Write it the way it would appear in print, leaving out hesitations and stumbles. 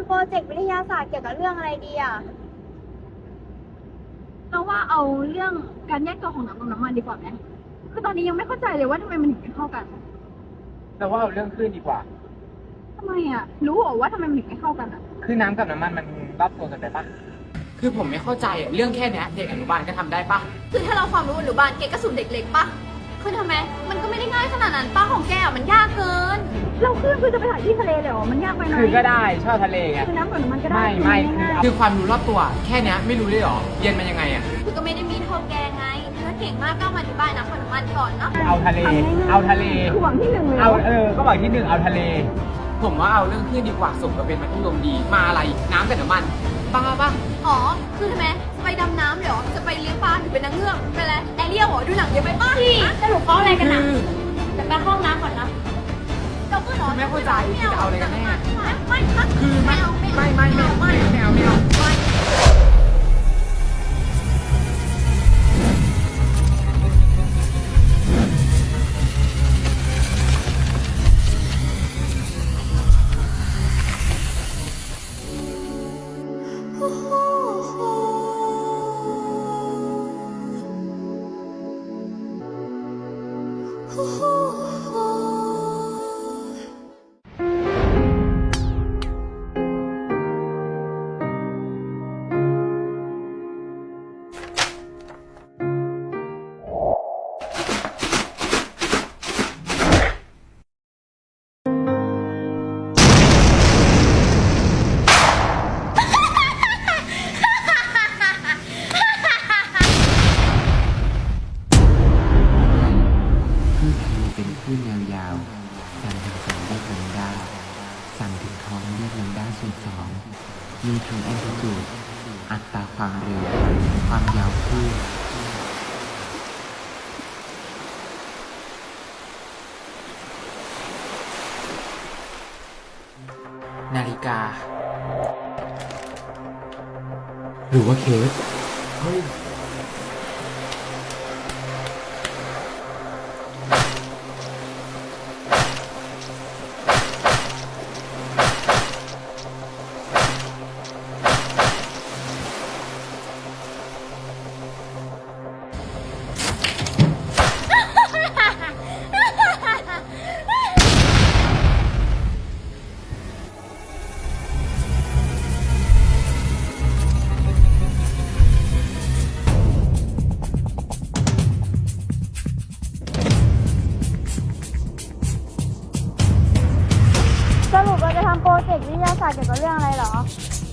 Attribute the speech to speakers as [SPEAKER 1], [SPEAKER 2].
[SPEAKER 1] ำโปรเจกต์วิทยาศาสตร์เกี่ยวกับเรื่องอะไรดีอ่ะ
[SPEAKER 2] เราว่าเอาเรื่องการแยกตัวของน้ำกับน้ำมันดีกว่าไหมคือตอนนี้ยังไม่เข้าใจเลยว่าทำไมมันถึงไม่เข้ากัน
[SPEAKER 3] แต่ว่าเอาเรื่องคลื่นดีกว่า
[SPEAKER 2] ทำไมอ่ะรู้เหรอว่าทำไมมันถึงไม่เข้ากันอ่ะ
[SPEAKER 3] คือน้ำกับน้ำมันมันรับตัวกันได้ปะ
[SPEAKER 4] คือผมไม่เข้าใจอะเรื่องแค่เนี้ยเด็กอนุบาลก็ทำได้ปะ
[SPEAKER 5] คือถ้าเราความรู้อนุบาลเกก็สูตรเด็กเล็กปะคือทำไมมันก็ไม่ได้ง่ายขนาดนั้นป้าของแกอะมันยากเกิน
[SPEAKER 2] เราขึ้นคือจะไปถ่ายที่ทะเลเลยเหรอมันยากไปไหม
[SPEAKER 3] คือก็ได้ชอบทะเลไง
[SPEAKER 2] คือน้ำกับน้ำมันก็ได้
[SPEAKER 3] ไม่
[SPEAKER 2] ง่าย
[SPEAKER 4] คือความรู้รอบตัวแค่เนี้ยไม่รู้เลยเหรอเรียนมายังไงอะ
[SPEAKER 5] คือก็ไม่ได้มีเท่าแกไงถ้าเก่งมากก็มาอธิบายนะคนมันก่อนเนาะ
[SPEAKER 3] เอาทะเล เอาทะเล
[SPEAKER 2] คือหวังที่หนึ่งเลย
[SPEAKER 3] เอาก็บอกที่หนึ่งเอาทะเล
[SPEAKER 4] ผมว่าเอาเรื่องคลื่นดีกว่าสมกับเป็นมัธยมดีมาอะไรน้ำกับน้ำมันบ้าปะ
[SPEAKER 5] อ๋อคือทำไมไปดำน้ำเหรอจะไปเลี้ยงปลาหรือเป็นนางเงือกเป็นอะไรแอเรียลเหรอดูหนังเยอะไปป้าพี่สรุปเขาอะไรกันนะแต่ไปห้องน้ำก่อนนะเราก็นอน
[SPEAKER 4] ไม่เข้าใจคือจะเอาอะไรกันแน่
[SPEAKER 5] ไม่
[SPEAKER 4] คือไม่เอา
[SPEAKER 6] คลื่นทะเลเป็นคลื่นยาวๆสั่นถึงสองเรียกลัมดาสั่นถึงท้องเรียกลัมดาส่วนสองมีทั้งแอมพลิจูดอัตราความเร็ว ความยาวคลื่นนาฬิกา หรือว่าเคสเฮ้ย
[SPEAKER 1] สรุปเราจะทำโปรเจกต์วิทยาศาสตร์เกี่ยวกับเรื่องอะไรเหรอ